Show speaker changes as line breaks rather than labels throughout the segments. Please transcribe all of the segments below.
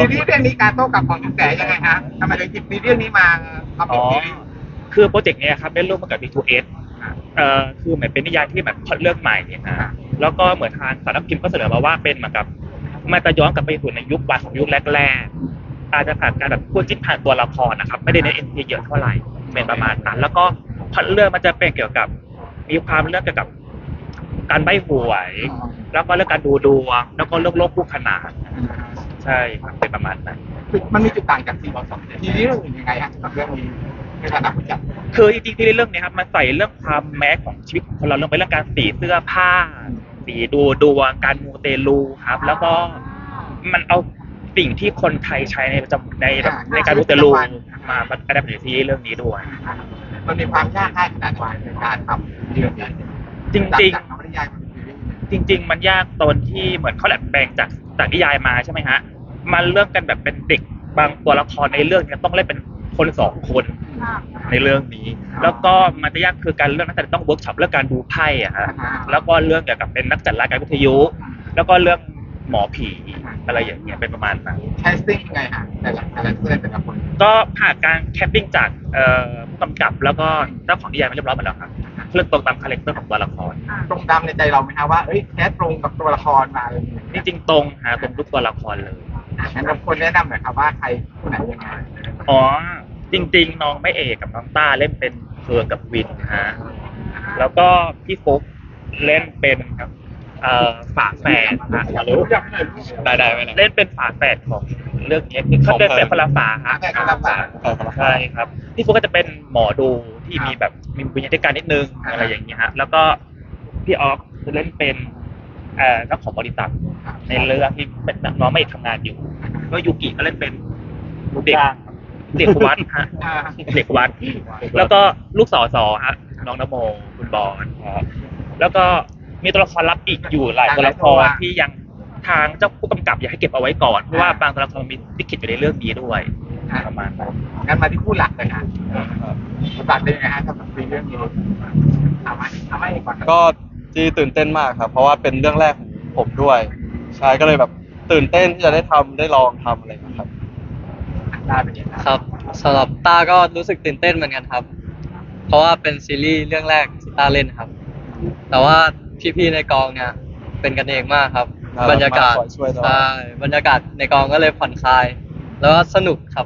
ซีรีส์เรื่องนี้การโต้กลับของคุณแต่ยังไงฮะทำไมถึงหยิบซีรีส์เรื่องนี้มาทำเป็นซีรีส์
คือโปรเจกต์เนี้ยครับได้ร่วมกับ D2S คือเหมือนเป็นนิยายที่แบบพล็อตเรื่องใหม่นะแล้วก็เหมือนทางสำนักพิมพ์ก็เสนอมาว่าเป็นเหมือนกับมันจะย้อนกลับไปสู่ในยุควันของยุคแรกๆอาจจะผ่านการแบบพูดจิ้นผ่านตัวละครนะครับไม่ได้ในเอ็นพีเยอะเท่าไหร่เป็นประมาณนั้นแล้วก็พล็อตเรื่องมันจะเป็นเกี่ยวกับมีความเรื่องเกี่ยวกับการใบ้หวยแล้วก็เรื่องการดูดวงแล้วก็เรื่องโลกคู่ขนานใช่ครับเป็นประมาณนั้น
มันมีจุดต่างจากซีรีส์เรื่องอื่นยังไงฮะกับเรื่องนี้ในฐานะผู้จัด
คือจริงๆที่เรื่องนี้ครับมันใส่เรื่องความแม้ของชีวิตของคนเราลงไปเรื่องการสีเสื้อผ้าสีดูดวงการมูเตลูครับแล้วก็มันเอาสิ่งที่คนไทยใช้ในประจำในการมูเตลูมาประดับในซีรีส์เรื่องนี้ด้วย
มันมีความยากง่ายขนาดไหนในการทำเรื่องนี้
จริง
จากนวนิยายมาเป็นซีรีส์
จริงๆมันยากตอนที่เหมือนเขาดัดแปลงจากนิยายมาใช่ไหมฮะมันเรื่องกันแบบเป็นเด็กบางตัวละครในเรื่องนี้ต้องเล่นเป็นคนสองคนในเรื่องนี้แล้วก็มันจะยากคือการเรื่องนักแสดงต้องเวิร์กช็อปเรื่องการดูไพ่อะฮะแล้วก็เรื่องเกี่ยวกับเป็นนักจัดรายการวิทยุแล้วก็เรื่องหมอผีอะไรอย่างเงี้ยเป็นประมาณนั้น
แคสติ้งยังไงฮะแต่ละเรื่องแต่ละคน
ก็ผ่านการแคปปิ้งจากผู้กำกับแล้วก็เจ้าของนิยายมาเรียบร้อยหมดแล้วครับเรื่องตรงตามคาแรคเตอร์ของตัวละคร
ตรงตามในใจเราไหมฮะว่าแคสตรงกับตัวละครมาอะไรอย่างเงี้ย
จริงๆตรงหาตรงทุกตัวละครเลย
งั้นเราควรแนะนำหน่อยครับว่าใครผู้ไหนยังไง
อ๋อจริงๆน้องไม่เอกกับน้องต้าเล่นเป็นเฟิร์นกับวินฮะแล้วก็พี่ฟุ๊กเล่นเป็นครับฝาแฝดนะรู้ได้ไหมเล่นเป็นฝาแฝดของเรื่องนี้เขาเป็นคนละฝาฮะใช่ครับพี่ฟุ๊กก็จะเป็นหมอดูที่มีแบบมีวิญญาณการนิดนึงอะไรอย่างเงี้ยฮะแล้วก็พี่ออฟจะเล่นเป็นเจ้าของบริษัทในเรื่องที่เป็นน้องไม่ทำงานอยู่ก็ยูกิก็เล่นเป็นเด็กวัดฮะเด็กวัดแล้วก็ลูกสอฮะน้องนโมคุณบอลแล้วก็มีตัวละครลับอีกอยู่หลายตัวละครที่ยังทางเจ้าผู้กำกับอยากให้เก็บเอาไว้ก่อนเพราะว่าบางตัวละครมีลิขิตอยู่ในเรื่องนี้ด้วยประมาณนั้น
งั้นมาที่คู่หลักเลยฮะตัดได้ยังไงฮะสำหรับเรื่องนี้เอาไว้ก่อน
ก็ที่ตื่นเต้นมากครับเพราะว่าเป็นเรื่องแรกของผมด้วยใช่ก็เลยแบบตื่นเต้นที่จะได้ลองทำอะไรนะครับ
ครับสำหรับต้าก็รู้สึกตื่นเต้นเหมือนกันครับเพราะว่าเป็นซีรีส์เรื่องแรกที่ต้าเล่นครับแต่ว่าพี่ๆในกองเนี่ยเป็นกันเองมากครับบรรยากาศใช่บรรยากาศในกองก็เลยผ่อนคลายแล้วก็สนุกครับ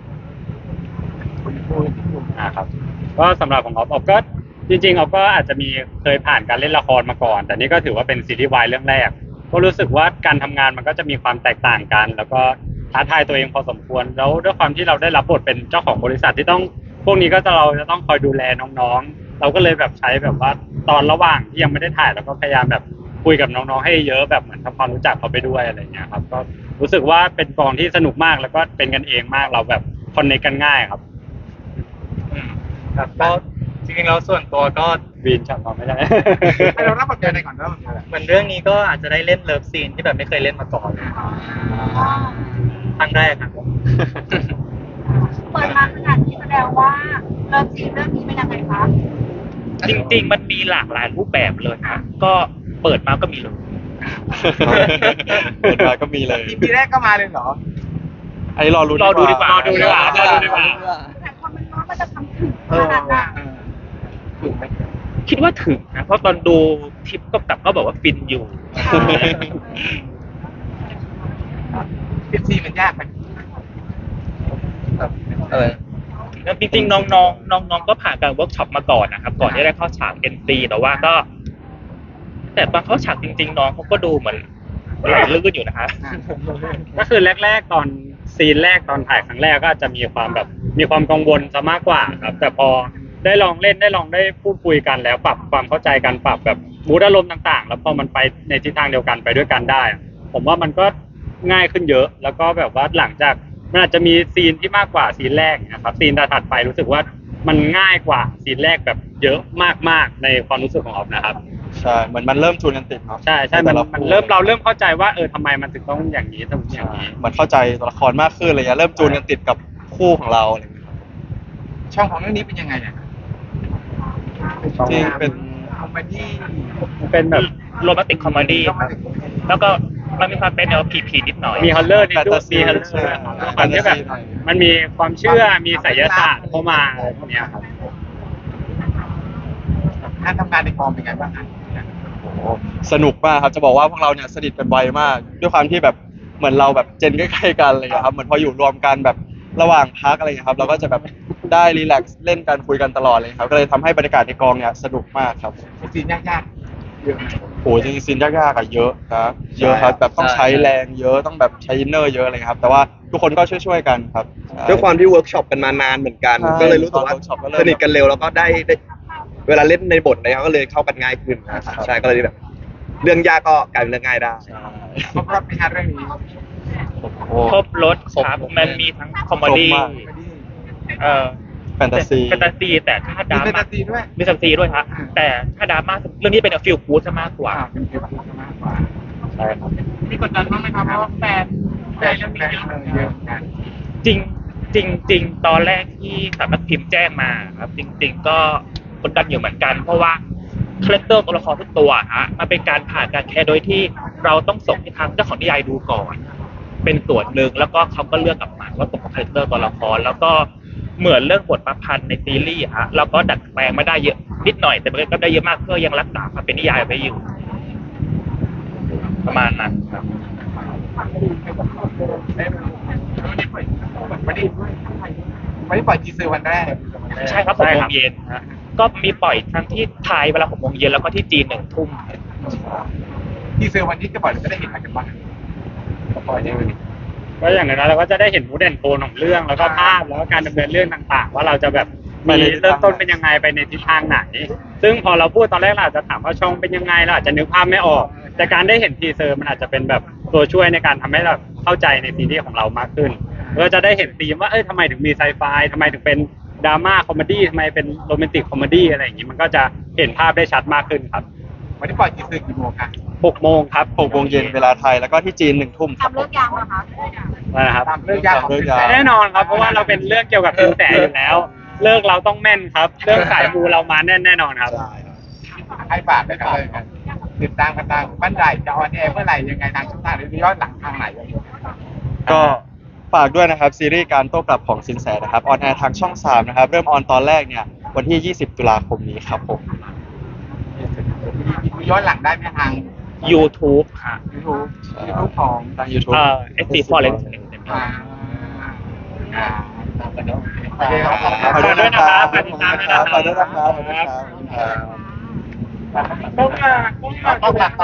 ครับก็สำหรับของออฟก็จริงๆออฟก็อาจจะมีเคยผ่านการเล่นละครมาก่อนแต่นี่ก็ถือว่าเป็นซีรีส์วายเรื่องแรกก็รู้สึกว่าการทำงานมันก็จะมีความแตกต่างกันแล้วก็ท้าทายตัวเองพอสมควรแล้วด้วยความที่เราได้รับบทเป็นเจ้าของบริษัทที่ต้องพวกนี้ก็เราจะต้องคอยดูแลน้องๆเราก็เลยแบบใช้แบบว่าตอนระหว่างที่ยังไม่ได้ถ่ายเราก็พยายามแบบคุยกับน้องๆให้เยอะแบบเหมือนทำความรู้จักเขาไปด้วยอะไรเงี้ยครับก็รู้สึกว่าเป็นกองที่สนุกมากแล้วก็เป็นกันเองมากเราแบบคอนเนคกันง่ายครับ
ก็จริงๆแล้วส่วนตัวก็
วีนจำเราไม่ได้
ให้เรารับบทอะไรก่อน
เหมือนเรื่องนี้ก็อาจจะได้เล่นเลิฟซีนที่แบบไม่เคยเล่นมาก่อนครั้งแรกครับ
เปิดมาขนาดนี้แสดงว่าเลิฟซีนเรื่องนี้เป็นยังไงคะ
จริงๆมันมีหลากหลายรูปแบบเลยครับก็เปิดมาก็มีเลย
เปิดมาก็มีเลย
ทีแรกก็มาเลยเหรอ
ไอ้รอดู
ดีกว่า
แต่พอมันน้องมันจะทำถึงขนาดนั้น
ถึงไหม
คิดว่าถึงนะเพราะตอนดูทิปก็บอกว่าฟินอยู่
เป็นซีมันยากไหม
จริงๆน้องก็ผ่านการเวิร์กช็อปมาก่อนนะครับก่อนที่ได้เข้าฉาก NC แต่ว่าก็แต่ตอนเข้าฉากจริงๆน้องเขาก็ดูเหมือนไหลลื่นอยู่นะคะ
ก็คือแรกๆตอนซีนแรกตอนถ่ายครั้งแรกก็จะมีความแบบมีความกังวลซะมากกว่าครับแต่พอได้ลองเล่นได้ลองได้พูดคุยกันแล้วปรับความเข้าใจกันปรับแบบมูดอารมณ์ต่างๆแล้วพอมันไปในทิศทางเดียวกันไปด้วยกันได้ผมว่ามันก็ง่ายขึ้นเยอะแล้วก็แบบว่าหลังจากมันอาจจะมีซีนที่มากกว่าซีนแรกนะครับซีนถัดไปรู้สึกว่ามันง่ายกว่าซีนแรกแบบเยอะมากๆในความรู้สึกของออฟนะครับ
ใช่เหมือนมันเริ่มจูนกันติดเนาะ
ใช่มันเราเริ่มเข้าใจว่าทำไมมันถึงต้องอย่างนี้ต้องอย่างนี้
มันเข้าใจตัวละครมากขึ้นอะไรเงี้ยเริ่มจูนกันติดกับคู่ของเราอะไรเงี้ย
ช่องของเรื่องนี้เป็นยังไงเนี่ย
จริงเป็น
คอมเมดี้
เป็นแบบ
โรแมนติกคอมเมดี้แล้วก็มันมีความเป็นแนวผีนิดหน่อย
มีฮอลเลอร์นิดด้วย
Fantasy
มีฮอลเลอ
ใช่
ร์ความที่แบบ
Fantasy หน่อย
มันมีความเชื่อมีไสยศาสตร์เข้ามาอะไรพวกเนี้ยครับ
การทำงานในกองเป็นไงบ้างฮะ
โอ้โหสนุกมากครับจะบอกว่าพวกเราเนี่ยสนิทกันไวมาก ด้วยความที่แบบเหมือนเราแบบเจนใกล้ๆกันอะไรอย่างเงี้ยครับเหมือนพออยู่รวมกันแบบระหว่างพักอะไรอย่างเงี้ยครับเราก็จะแบบได้รีแลกซ์เล่นกันคุยกันตลอดเลยครับก็เลยทำให้บรรยากาศในกองเนี่ยสนุกมากครับ
มีซีนยากๆเยอะไหม
โอ้โหจริงๆซีนยากๆอะเยอะครับเยอะครับแบบต้องใช้แรงเยอะต้องแบบใช้อินเนอร์เยอะอะไรครับ แต่ว่าทุกคนก็ช่วยๆกันครับใช่
ด้วยความที่เวิร์กช็อปกันมานานเหมือนกัน
ใช่
ก็เลยรู้สึกว่า
ตอนเวิร์กช็อปก็เริ่ม
สนิทกันเร็วแล้วก็ได้เวลาเล่นในบทอะไรก็เลยเข้ากันง่ายขึ้นนะครับใช่ก็เลยแบบ เรื่องยากก็กลายเป็นเรื่องง่ายได้
ครบรอบในฮาร์เรื่องนี้
โอ้โห
ครบรถครับมันมีทั้งคอมเมดี้
ครบมาก แฟนตาซี
แฟนตาซีแต่ถ้าด
มี
รา
แฟน
ม่า
ตาซีด้วย
มีแฟนตาซีด้วยฮะแต่ถ้าดราม่าเรื่องนี้เป็นฟิลกู๊ดซะมากกว่า
เป็นฟิลกู๊ดมากกว่า
ใช่ครับ
มีกดดันบ้างไหมครับเพราะว่าแฟนเรื่องนี้เยอะเหมือนกัน
จริงตอนแรกที่สำนักพิมพ์แจ้งมาครับจริง ๆ ก็กดดันอยู่เหมือนกัน เพราะว่าคาแรคเตอร์ตัวละครทุกตัวฮะมันเป็นการผ่านการแคสโดยที่เราต้องส่งให้ทางเจ้าของนิยายดูก่อน เป็นส่วนหนึ่งแล้วก็เขาก็เลือกกลับมาว่าตรงกับคาแรคเตอร์ตัวละครแล้วก็เหมือนเรื่องบทประพันธ์ในซีรีส์ฮะเราก็ดัดแปลงไม่ได้เยอะนิดหน่อยแต่มันก็ได้เยอะมากเพื่อยังรักษาความเป็นนิยายไว้อยู่ ประมาณนั้นครับ
ไม่ได้ปล่อยทีเซอร์วันแรก
ใช่ครับ6 โมงเย็นฮะก็มีปล่อยทั้งที่ไทยเวลา6 โมงเย็นแล้วก็ที่จีน1 ทุ่ม
ทีเซอร์วันนี้จะปล่อยเราจะได้เห็นอะไรกันบ้างปล่อยได้ไหม
ก็อย่างนั้นเราก็จะได้เห็นมูดแอนโทนของเรื่องแล้วก็ภาพแล้วก็การดำเนินเรื่องต่างๆ ว่าเราจะแบบมีเริ่มต้นเป็นยังไงไปในทิศทางไหน ซึ่งพอเราพูดตอนแรกเราอาจจะถามว่าช่องเป็นยังไงเราอาจจะนึกภาพไม่ออก แต่การได้เห็นทีเซอร์มันอาจจะเป็นแบบตัวช่วยในการทำให้เราเข้าใจในซีรีส์ของเรามากขึ้นเราจะได้เห็นธีมว่าทำไมถึงมีไซไฟทำไมถึงเป็นดราม่าคอมเมดี้ทำไมเป็นโรแมนติกคอมเมดี้อะไรอย่างนี้มันก็จะเห็นภาพได้ชัดมากขึ้นครับ
วันนี้ปล่อยทีเซอร์กี่โมงครับ
6 โมงครับ
6 โมงเย็นเวลาไทยแล้วก็ที่จีน1 ทุ่มครับ
ทำเลิกยาวเหรอคะ
นะครับ
ตามเรื่องยากของ
เรื่องยาก
แน่นอนครับเพราะว่าเราเป็นเรื่องเกี่ยวกับสินแสอยู่แล้ว เลิกเราต้องแม่นครับ เรื่องสายมูเรามาแน่นอนครับ
ให้ฝากเลยครับติดตามกันทางบ้านใหญ่จะออนแอร์เมื่อไหร่ยังไงทางช่องทางหรือย้อนหลังทางไหน
ก็ฝากด้วยนะครับซีรีส์การโต้กลับของสินแสนะครับออนแอร์ทางช่อง 3 นะครับ เริ่มออนตอนแรกเนี่ยวันที่ 20 ตุลาคมนี้ครับผม
ย้อนหลังได้ไหมทาง
YouTube ค่ะ
YouTube ของ
ทาง YouTube
SC Forest
อ่าอ่าโอเคครับ
ฝากด้วยนะครับ
ฝากติดตามด้วยนะครับ
ฝากด้วยนะครับ
ต้องหลัก